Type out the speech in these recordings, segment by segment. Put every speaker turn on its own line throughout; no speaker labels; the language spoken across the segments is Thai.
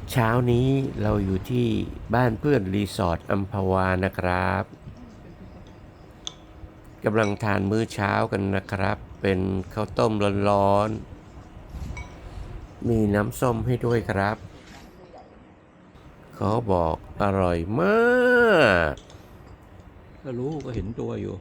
เช้านี้เราอยู่ที่บ้านเพื่อนรีสอร์ทอัมพวานะครับกำลังทานมื้อเช้ากันนะครับเป็นข้าวต้มร้อนๆมีน้ำส้มให้ด้วยครับเขาบอกอร่อยมากก็รู้ก็เห็นตัวอยู่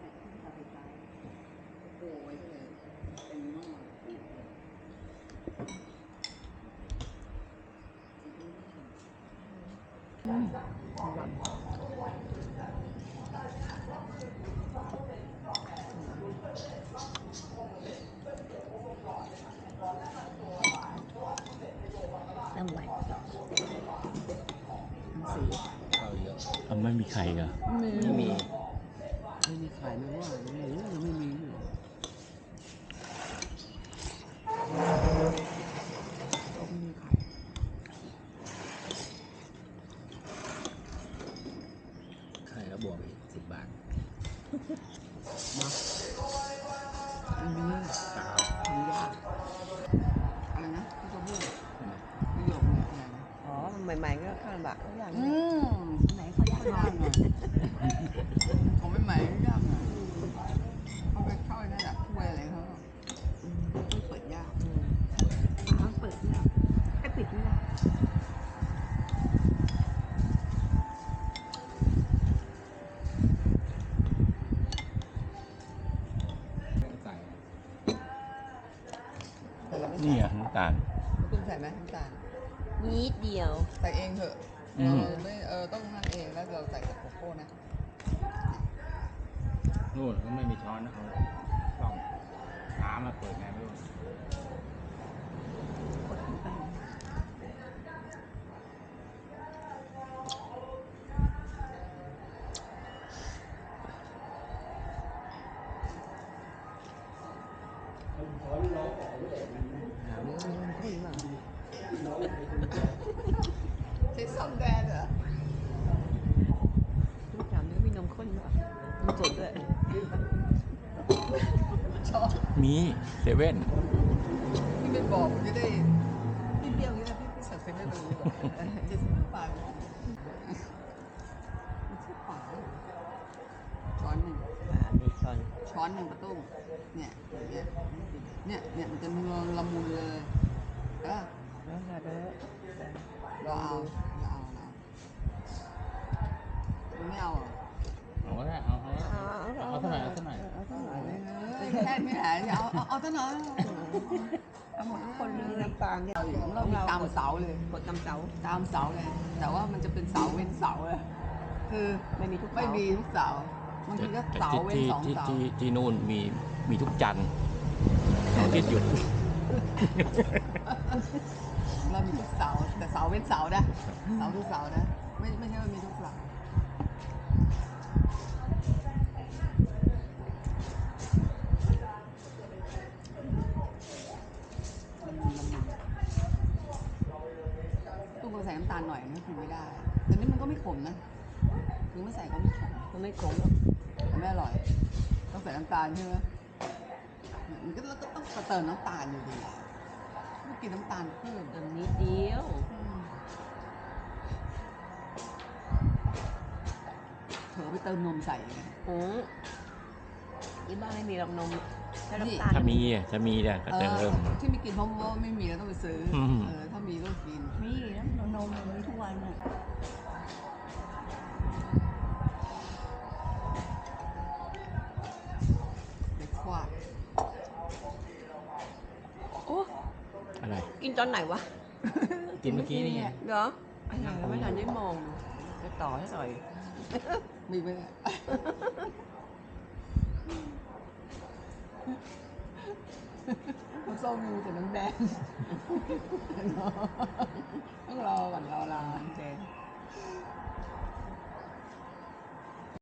น้ำไหวน้ำสี
ไม่มีใครเหรอ
ไม่มีไข่ไม่ว่าไม่รู้ยังไม่มีอยู่ก็ไม่มีไข่
ไข่แล้วบวกอีก10 บาท
มาไม่มีทำยากอะไรนะที่เขาพูดประโยคนี้อะไรนะ
อ๋อใหม่ๆก็ข้าวบะทุกอย่าง
ไหนเขายากยากหน่อยเขาไม่ใหม่ยากหน่อยเขาไปเข้านั่นแหละถ้วยอะไรเขาไม่เปิดยากเปิดยากไอ้ปิดไม่ได้
นี่อ่ะน้ำตาล
คุณใส่ไหมน้ำตาล
นิดเดียว
ใส่เองเถอะไม่ต้องนั่นเองแล้วเราใส่กับโกโก้นะ
นู่นเขาไม่มีช้อนนะเขาต้องน้ำมาเปิดไงไม่รู้
ใช้ซอมแดงเหรอ
ทุกอย่างนี้มีนมข้นด้วยนมสดด้วย
ชอบ
มีเซเว่น
พี่ไม่บอกผมจะได้พี่เบี้ยวอย่างนี้นะพี่สั่งเซ็นได้เลยจะซื้อปลาซื้อปลาช้อนหนึ่ง
มีช้อน
ช้อนหนึ่งประตูเนี่ยมันจะเนื้อละมุนเลยเออ
แล้วก็เด้อ
เราเอาไม่เอาเหรอ
เอาก็ได้เอาเท่าไหร่เอาเท่าไหร่
แค่ไม่หายเอาเท่านั้นเอาหมด
คนมีน้ำตาลเนี่ย
เรามีตามเสาเลย
กดตำเสา
ตามเสาเลย แต่ว่ามันจะเป็นเสาเว้นเสาเลยคือ
ไม่มีทุก
ไม่มีทุกเสาบางทีก็เสาเว้นสองเสา
ที่นู่นมีทุกจันทร์เสาร์อาที่หยุด
เรามีทุกเสาแต่เสาเว้นเสานะเสาทุกเสานะไม่ใช่ว่ามีทุกเสาตู้ก็ใส่น้ำตาลหน่อยนะกินไม่ได้แต่นี่มันก็ไม่ขมนะคือไม่ใส่ก็ไม่ขม
มันไม่ขมหรอก
แต่ไม่อร่อยต้องใส่น้ำตาลใช่ไหมมันก็ต้องเติมน้ำตาลอยู่ดีไม่กินน้ำตาลเพิ่ม
เติมนิดเดียว
เผลอไปเติมนมใส่ไง
ที่บ้านไม่มีหรอกนมแค่น้ำตาล
ถ้ามีเนี่ยก็จะเริ่ม
ที่ไม่กินเพราะว่าไม่มีแล้วต้องไปซื้ออ
ม
ถ้ามีก็กิน
มีนะนมมีทุกวันอ่ะ
เด็กควาด
โอ้
อะไร
กินตอนไหนวะ
กินเมื่อกี้นี่ไง
เหรออะไรไม่ทันได้มองจะต่อให้หน่อย
มีไหมเนี่ยน้ำส้มมีแต่น้ำแดงต้องรอก่อนรอแดง